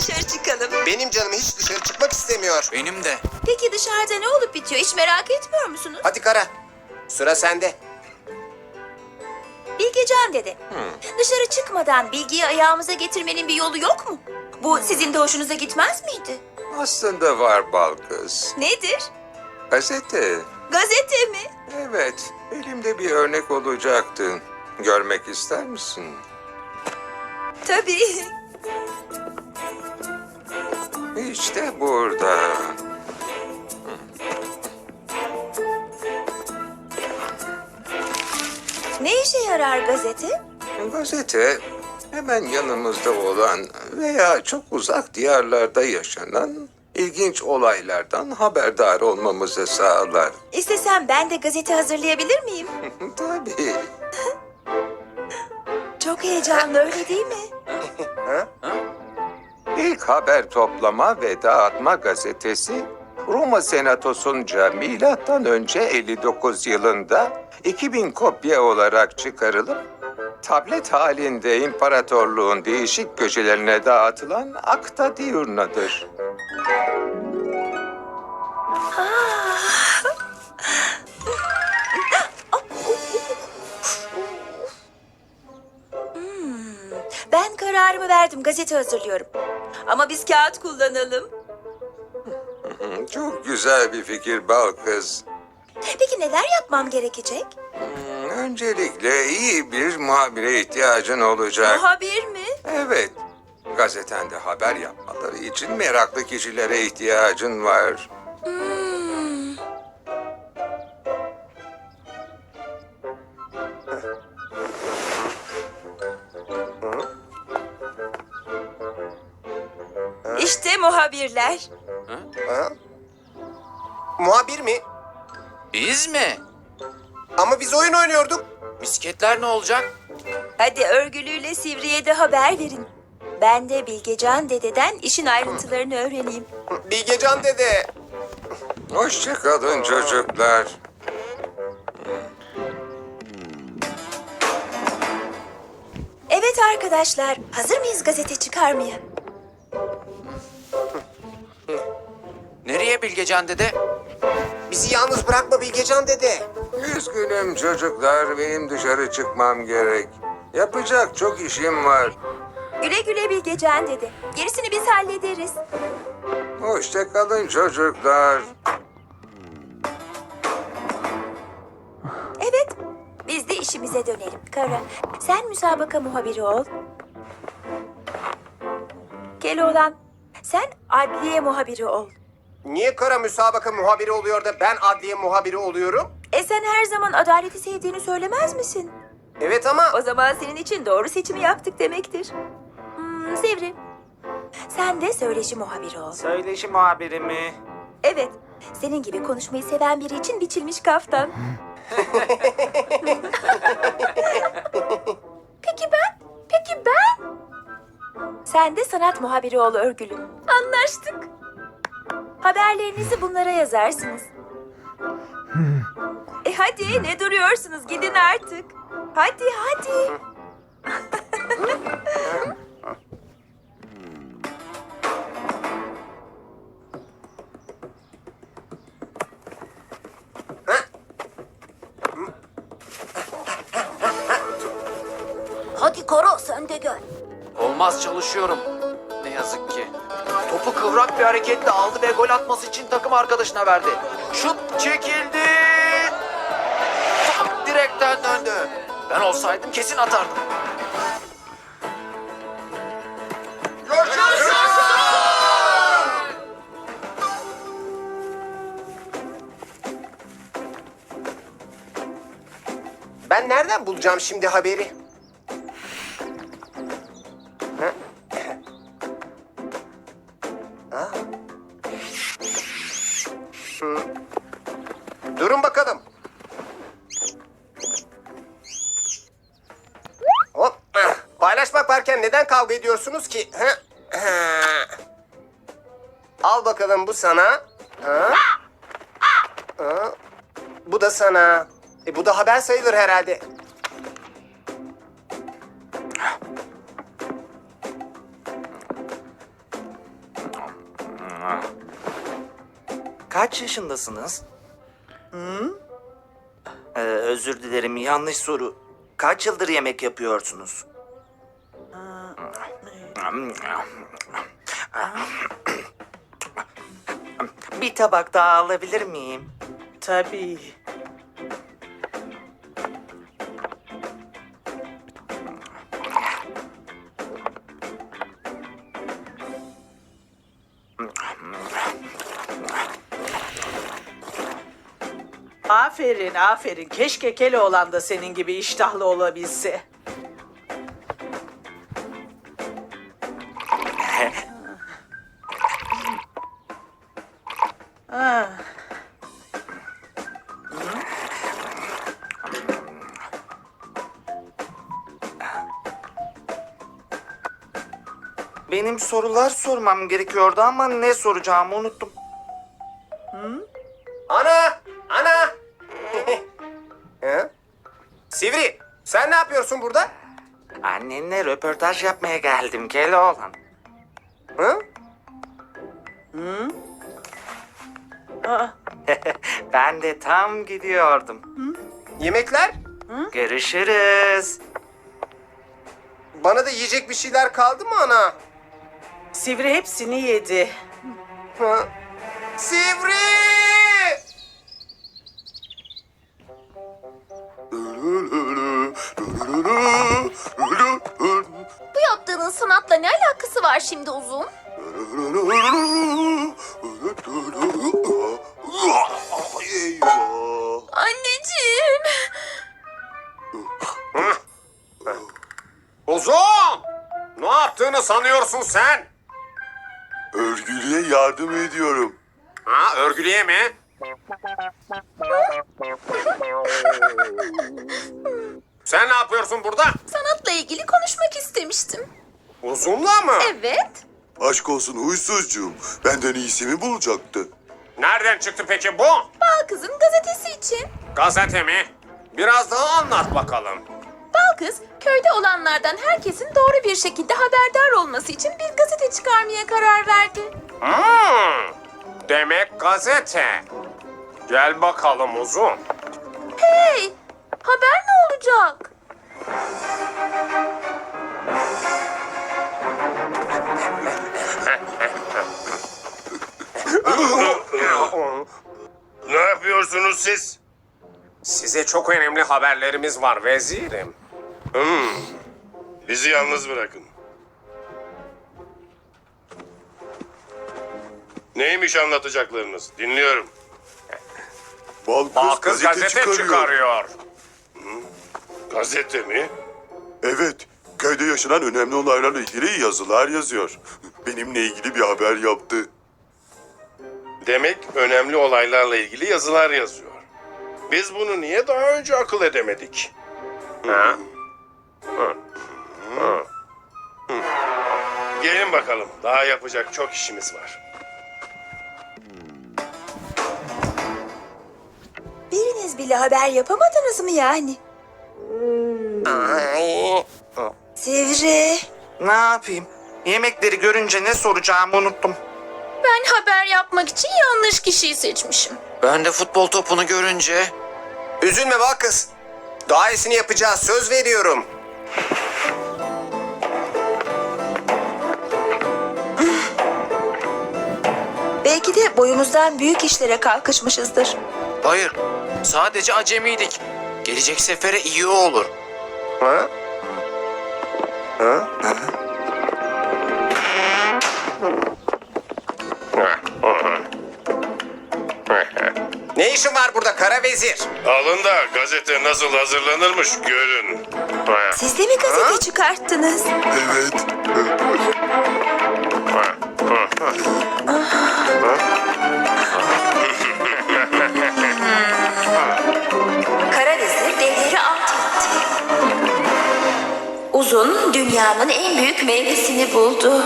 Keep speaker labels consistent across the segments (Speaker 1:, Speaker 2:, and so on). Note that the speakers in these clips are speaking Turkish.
Speaker 1: dışarı çıkalım.
Speaker 2: Benim canım hiç dışarı çıkmak istemiyor.
Speaker 3: Benim de.
Speaker 1: Peki dışarıda ne olup bitiyor? Hiç merak etmiyor musunuz?
Speaker 2: Hadi Kara, sıra sende.
Speaker 1: Bilgecan dede. Dışarı çıkmadan bilgiyi ayağımıza getirmenin bir yolu yok mu? Bu sizin de hoşunuza gitmez miydi?
Speaker 4: Aslında var bal kız.
Speaker 1: Nedir?
Speaker 4: Gazete.
Speaker 1: Gazete mi?
Speaker 4: Evet, elimde bir örnek olacaktı. Görmek ister misin?
Speaker 1: Tabii.
Speaker 4: İşte burada.
Speaker 1: Ne işe yarar gazete?
Speaker 4: Gazete hemen yanımızda olan veya çok uzak diyarlarda yaşanan ilginç olaylardan haberdar olmamızı sağlar.
Speaker 1: İstesem ben de gazete hazırlayabilir miyim?
Speaker 4: Tabii.
Speaker 1: Çok heyecanlı öyle değil mi?
Speaker 4: İlk haber toplama ve dağıtma gazetesi Roma Senatosu'nca milattan önce 59 yılında 2000 kopya olarak çıkarılıp tablet halinde imparatorluğun değişik köşelerine dağıtılan Acta Diurna'dır.
Speaker 1: Ben kararımı verdim, gazete hazırlıyorum. Ama biz kağıt kullanalım.
Speaker 4: Çok güzel bir fikir bal kız.
Speaker 1: Peki neler yapmam gerekecek?
Speaker 4: Öncelikle iyi bir muhabire ihtiyacın olacak.
Speaker 1: Muhabir mi?
Speaker 4: Evet, gazetende haber yapmaları için meraklı kişilere ihtiyacın var.
Speaker 1: İşte muhabirler.
Speaker 2: Ha? Muhabir mi?
Speaker 3: Biz mi?
Speaker 2: Ama biz oyun oynuyorduk.
Speaker 3: Misketler ne olacak?
Speaker 1: Hadi örgülüyle Sivri'ye de haber verin. Ben de Bilgecan dededen işin ayrıntılarını öğreneyim.
Speaker 2: Bilgecan dede.
Speaker 4: Hoşça kalın çocuklar.
Speaker 1: Evet arkadaşlar, hazır mıyız gazete çıkarmaya?
Speaker 3: Nereye Bilgecan dede?
Speaker 2: Bizi yalnız bırakma Bilgecan dede.
Speaker 4: Üzgünüm çocuklar, benim dışarı çıkmam gerek. Yapacak çok işim var.
Speaker 1: Güle güle Bilgecan dede. Gerisini biz hallederiz.
Speaker 4: Hoşça kalın çocuklar.
Speaker 1: Evet, biz de işimize dönelim. Kara, sen müsabaka muhabiri ol. Keloğlan, sen adliye muhabiri ol.
Speaker 2: Niye Kara müsabaka muhabiri oluyor da ben adliye muhabiri oluyorum?
Speaker 1: Sen her zaman adaleti sevdiğini söylemez misin?
Speaker 2: Evet ama...
Speaker 1: O zaman senin için doğru seçimi yaptık demektir. Sivri, sen de söyleşi muhabiri ol.
Speaker 5: Söyleşi muhabiri mi?
Speaker 1: Evet, senin gibi konuşmayı seven biri için biçilmiş kaftan. Peki ben? Peki ben? Sen de sanat muhabiri ol örgülü. Anlaştık. Haberlerinizi bunlara yazarsınız. Hadi ne duruyorsunuz? Gidin artık. Hadi hadi. Hadi Kara sen de gel.
Speaker 3: Olmaz, çalışıyorum. Ne yazık ki. Topu kıvrak bir hareketle aldı ve gol atması için takım arkadaşına verdi. Şut çekildi. Top direkten döndü. Ben olsaydım kesin atardım.
Speaker 2: Ben nereden bulacağım şimdi haberi? Ha? Ha? Durun bakalım. Hop. Paylaşmak varken neden kavga ediyorsunuz ki? Al bakalım, bu sana. Bu da sana. Bu da haber sayılır herhalde.
Speaker 5: Kaç yaşındasınız? Özür dilerim, yanlış soru. Kaç yıldır yemek yapıyorsunuz? Bir tabak daha alabilir miyim?
Speaker 6: Tabii. Aferin, aferin. Keşke Keloğlan da senin gibi iştahlı olabilse. Ah.
Speaker 5: Benim sorular sormam gerekiyordu ama ne soracağımı unuttum.
Speaker 2: Ana! Ana! Hı? Sivri, sen ne yapıyorsun burada?
Speaker 5: Annenle röportaj yapmaya geldim Keloğlan.
Speaker 2: Hı?
Speaker 6: Aa,
Speaker 5: Ben de tam gidiyordum.
Speaker 2: Yemekler?
Speaker 5: Görüşürüz.
Speaker 2: Bana da yiyecek bir şeyler kaldı mı ana?
Speaker 6: Sivri hepsini yedi.
Speaker 2: Hı? Sivri!
Speaker 1: Bu yaptığının sanatla ne alakası var şimdi Uzun? Anneciğim.
Speaker 2: Uzun! Ne yaptığını sanıyorsun sen?
Speaker 7: Örgülü'ye yardım ediyorum.
Speaker 2: Ha, örgülüye mi? Sen ne yapıyorsun burada?
Speaker 1: Sanatla ilgili konuşmak istemiştim.
Speaker 2: Uzunla mı?
Speaker 1: Evet.
Speaker 7: Aşk olsun huysuzcuğum. Benden iyisi mi bulacaktı?
Speaker 2: Nereden çıktı peki bu?
Speaker 1: Bal Kız'ın gazetesi için.
Speaker 2: Gazete mi? Biraz daha anlat bakalım.
Speaker 1: Bal Kız, köyde olanlardan herkesin doğru bir şekilde haberdar olması için bir gazete çıkarmaya karar verdi.
Speaker 2: Demek gazete. Gel bakalım Uzun.
Speaker 1: Hey, haber ne olacak?
Speaker 7: Ne yapıyorsunuz siz?
Speaker 2: Size çok önemli haberlerimiz var vezirim.
Speaker 7: Bizi yalnız bırakın. Neymiş anlatacaklarınız? Dinliyorum.
Speaker 2: Balkız gazete çıkarıyor.
Speaker 7: Gazete mi? Evet. Köyde yaşanan önemli olaylarla ilgili yazılar yazıyor. Benimle ilgili bir haber yaptı. Demek önemli olaylarla ilgili yazılar yazıyor. Biz bunu niye daha önce akıl edemedik?
Speaker 2: Ha?
Speaker 7: Gelin bakalım. Daha yapacak çok işimiz var.
Speaker 1: Biriniz bile haber yapamadınız mı yani? Sivri.
Speaker 5: Ne yapayım? Yemekleri görünce ne soracağımı unuttum.
Speaker 1: Ben haber yapmak için yanlış kişiyi seçmişim.
Speaker 3: Ben de futbol topunu görünce...
Speaker 2: Üzülme Balkız. Daha iyisini yapacağız, söz veriyorum.
Speaker 1: Belki de boyumuzdan büyük işlere kalkışmışızdır.
Speaker 3: Hayır, sadece acemiydik. Gelecek sefere iyi olur.
Speaker 2: Ha? Ha? Ne işin var burada kara vezir?
Speaker 7: Alın da gazete nasıl hazırlanırmış görün.
Speaker 1: Siz de mi gazete çıkarttınız?
Speaker 7: Evet.
Speaker 1: Kara vezir devleri alt etti. Uzun dünyanın en büyük meyvesini buldu.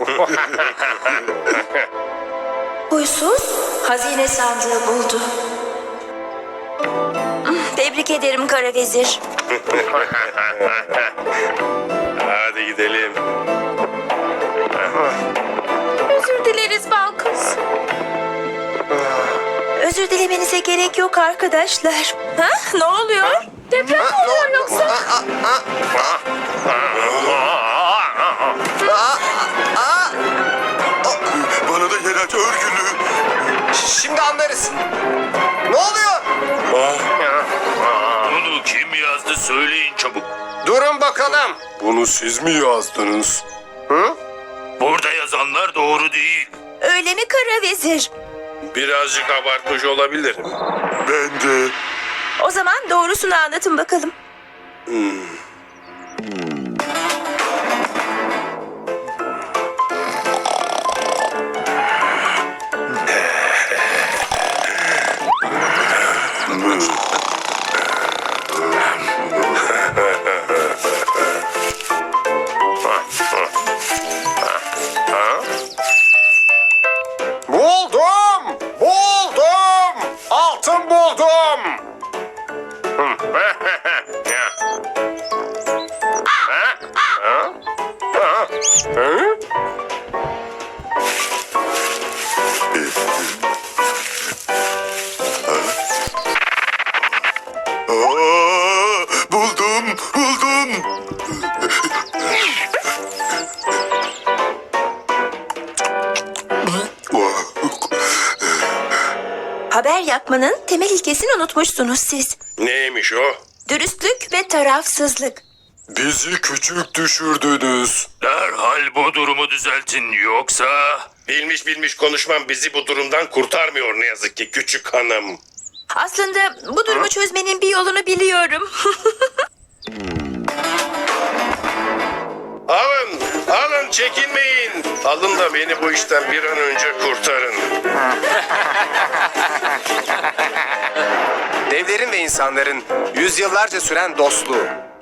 Speaker 1: Huysuz hazine sandığı buldu. Tebrik ederim Kara Vezir.
Speaker 7: Hadi gidelim.
Speaker 1: Özür dileriz Balkız. Özür dilemenize gerek yok arkadaşlar. Ha? Ne oluyor? Deprem mi oluyor yoksa?
Speaker 7: Bana da yer aç örgülü.
Speaker 2: Şimdi anlarız. Ne oluyor?
Speaker 8: Bunu kim yazdı söyleyin çabuk.
Speaker 2: Durun bakalım.
Speaker 7: Bunu siz mi yazdınız?
Speaker 8: Burada yazanlar doğru değil.
Speaker 1: Öyle mi Kara Vezir?
Speaker 8: Birazcık abartmış olabilirim.
Speaker 7: Ben de.
Speaker 1: O zaman doğrusunu anlatın bakalım.
Speaker 2: Buldum! Buldum! Altın buldum!
Speaker 7: Buldum, buldum.
Speaker 1: Haber yapmanın temel ilkesini unutmuşsunuz siz.
Speaker 8: Neymiş o?
Speaker 1: Dürüstlük ve tarafsızlık.
Speaker 7: Bizi küçük düşürdünüz.
Speaker 8: Derhal bu durumu düzeltin yoksa...
Speaker 7: Bilmiş bilmiş konuşmam bizi bu durumdan kurtarmıyor ne yazık ki küçük hanım.
Speaker 1: Aslında bu durumu çözmenin bir yolunu biliyorum.
Speaker 7: Alın, alın çekinmeyin. Alın da beni bu işten bir an önce kurtarın.
Speaker 2: Devlerin ve insanların yüzyıllarca süren dostluğu,